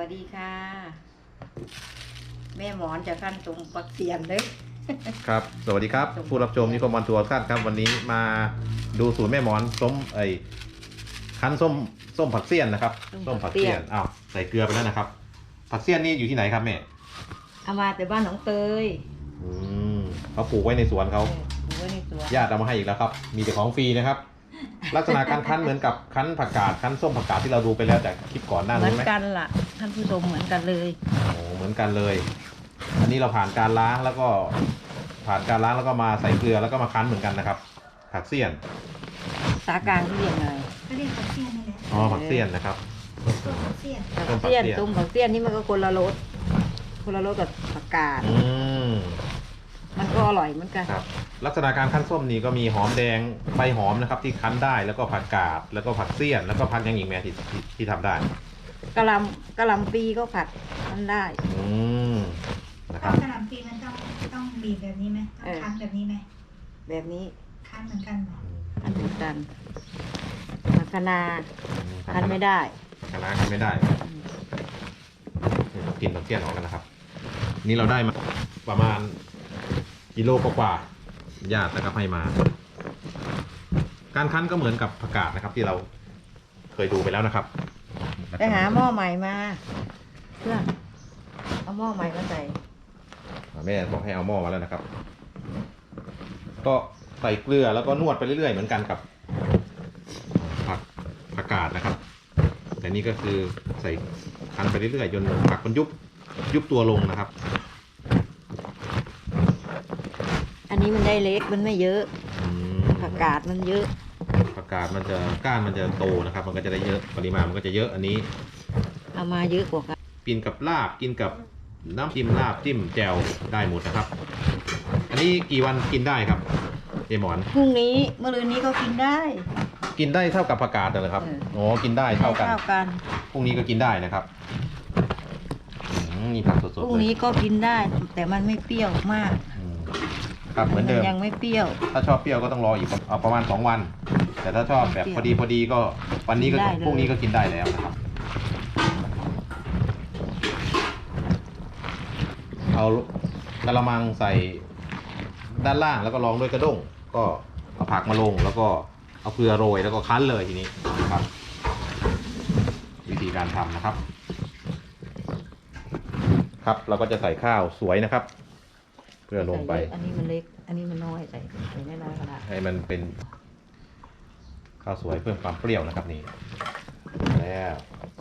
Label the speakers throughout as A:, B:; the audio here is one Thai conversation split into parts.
A: วัสดีค่ะแม่หมอนจะขั้นตรงปักเสียนเลย
B: ครับสวัสดีครับผู้รับชมนิคมวันทัวร์ครับวันนี้มาดูสูตรแม่หมอนส้มคั้นส้มผักเสี้ยนนะครับส้มผักเสี้ยนอ้าวใส่เกลือไปแล้วนะครับผักเสี้ยนนี่อยู่ที่ไหนครับแม่
A: เอามาแต่บ้านหนองเตย
B: เขาปลูกไว้ในสวนเขา
A: ปลูกไว้ในสวน
B: ญาติเอามาให้อีกแล้วครับมีแต่ของฟรีนะครับลักษณะการคั้นเหมือนกับคั้นผักกาดคั้นส้มผักกาดที่เราดูไปแล้วจากคลิปก่อนหน้านี้ไหม
A: เหมือนกันล่ะท่านผู้ชมเหมือนกันเลย
B: โอ้เหมือนกันเลยอันนี้เราผ่านการล้างแล้วก็มาใส่เกลือแล้วก็มาคั้นเหมือนกันนะครับผักเสี้ยน
A: สากลางที่เรียกไง
C: ก็เรียกผักเสี้ยนนี่แหละ
B: อ๋อผักเสี้ยนนะครับ
C: ต้มผักเสี้ยน
A: ผักเสี้ยนต้มผักเสี้ยนนี่มันก็คนละรสกับผักกาดมันก็อร่อยเหมือนกัน
B: ครับลักษณะการคั้นส้มนี่ก็มีหอมแดงใบหอมนะครับที่คั้นได้แล้วก็ผักกาดแล้วก็ผักเสี้ยนแล้วก็ผักยังอีกแม่ที่ทำได้
A: กะหล่ำปีก็ผัดมันได้
B: นะครับ
C: กะหล่ำปีมันต้องบีบแบบนี้ไหมต้องคั้นแบบนี้ไหม
A: แบบนี้
C: คั้นเหมือนกันไหม
A: คั้นเหมือนกันผักคะน้าคั้นไม่ได้
B: คะน้าคั้นไม่ได้กินผักเสี้ยนออกกันนะครับนี่เราได้มาประมาณกิโลกว่าญาตินะครับให้มาการคั้นก็เหมือนกับผักกาดนะครับที่เราเคยดูไปแล้วนะครับ
A: ไปหาหม้อใหม่มาเพื่อเอาหม้อใหม่มาใส่
B: แม่บอกให้เอาหม้อมาแล้วนะครับก็ใส่เกลือแล้วก็นวดไปเรื่อยๆเหมือนกันกับผักกาดนะครับแต่นี่ก็คือใส่คั้นไปเรื่อยๆจนผักมันยุบตัวลงนะครับ
A: อันนี้มันได้เล็กมันไม่เยอะผักกาดมันเยอะ
B: ผักกาดมันจะก้านมันจะโตนะครับมันก็จะได้เยอะปริมาณมันก็จะเยอะอันนี้
A: เอามาเยอะกว่ากัน
B: กินกับลาบกินกับน้ำจิ้มลาบจิ้มแจ่วได้หมดนะครับอันนี้กี่วันกินได้ครับเจหมอน
A: พรุ่งนี้เมื่อรืนนี้ก็กินได้
B: เท่ากับผักกาดเลยครับอ๋อกินได้เท่ากันพรุ่งนี้ก็กินได้นะครับนี่ผักสดๆ
A: พรุ่งนี้ก็กินได้แต่มันไม่เปรี้ยวมาก
B: ครับเหมือนเดิม
A: ยังไม่เปรี้ยว
B: ถ้าชอบเปรี้ยวก็ต้องรออีกประมาณ2 วันแต่ถ้าชอบแบบพอดีก็วันนี้ก็พรุ่งนี้ก็กินได้แล้วนะครับเอากระมังใส่ด้านล่างแล้วก็รองด้วยกระด้งก็เอาผักมาลงแล้วก็เอาเกลือโรยแล้วก็คั้นเลยทีนี้นะครับวิธีการทำนะครับครับเราก็จะใส่ข้าวสวยนะครับเพื่อลงไป
A: อันนี้มันเล็กอันนี้มันน้อยใส่น้อยก็ได้
B: ให้มันเป็นข้าวสวยเพิ่มความเปรี้ยวนะครับนี่แล้ว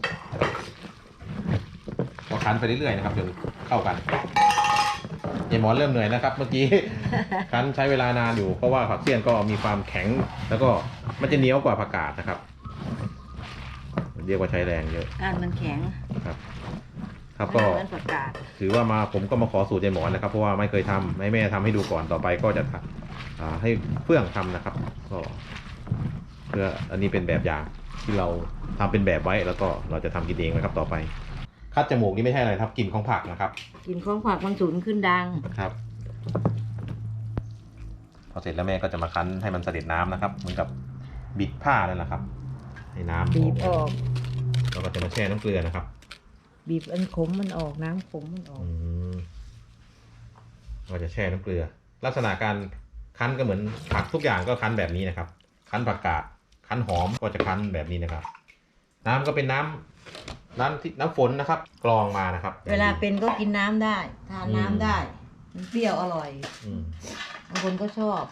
B: ก็คั้นไปเรื่อยๆนะครับจนเข้ากันเจหมอนเริ่มเหนื่อยนะครับเมื่อกี้คั้นใช้เวลานานอยู่เพราะว่าผักเสี้ยนก็มีความแข็งแล้วก็มันจะเหนียวกว่าผักกาดนะครับเรียกว่าใช้แรงเยอะ
A: มันแข็ง
B: ครับก็ถือว่าผมก็มาขอสูตรเจหมอนนะครับเพราะว่าไม่เคยทำให้แม่ทำให้ดูก่อนต่อไปก็จะให้เฟื่องทำนะครับก็เพื่ออันนี้เป็นแบบอย่างที่เราทำเป็นแบบไว้แล้วก็เราจะทำกินเองนะครับต่อไปคัดจมูกนี่ไม่ใช่อะไรครับกลิ่นของผักนะครับ
A: กลิ่นของผักมันสูญขึ้นดัง
B: ครับพอเสร็จแล้วแม่ก็จะมาคั้นให้มันเสด็จน้ำนะครับเหมือนกับบิดผ้านั่นแหละครับให้น้ำ
A: บีบออก
B: เราก็จะมาแช่น้ำเกลือนะครับ
A: บีบอันขมมันออกน้ำขมมันออก
B: เราจะแช่น้ำเกลือลักษณะการคั้นก็เหมือนผักทุกอย่างก็คั้นแบบนี้นะครับคั้นผักกาดคั้นหอมก็จะคั้นแบบนี้นะครับน้ำก็เป็นน้ำฝนนะครับกรองมานะครับ
A: เวลาเป็นก็กินน้ำได้ทานน้ำได้มันเปรี้ยวอร่อยบางคนก็ชอบ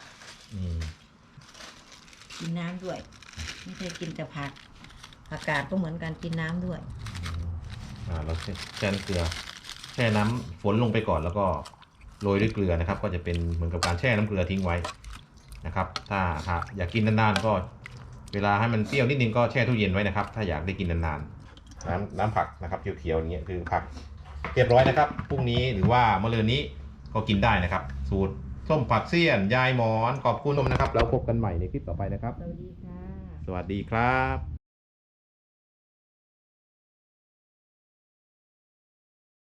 A: กินน้ำด้วยไม่ใช่กินแต่ผักกาดก็เหมือนกันกินน้ำด้วย
B: เราแช่น้ำเกลือแช่น้ำฝนลงไปก่อนแล้วก็โรยด้วยเกลือนะครับก็จะเป็นเหมือนกับการแช่น้ำเกลือทิ้งไว้นะครับถ้าอยากกินนานๆก็เวลาให้มันเปรี้ยวนิดนึงก็แช่ตู้เย็นไว้นะครับถ้าอยากได้กินนานๆน้ำผักนะครับเขียวๆอย่างเงี้ยคือผักเรียบร้อยนะครับพรุ่งนี้หรือว่ามะรืนนี้ก็กินได้นะครับสูตรส้มผักเสี้ยนยายหมอนขอบคุณนะครับแล้วพบกันใหม่ในคลิปต่อไปนะครับ
A: สวัสดีค่ะ
B: สวัสดีครับ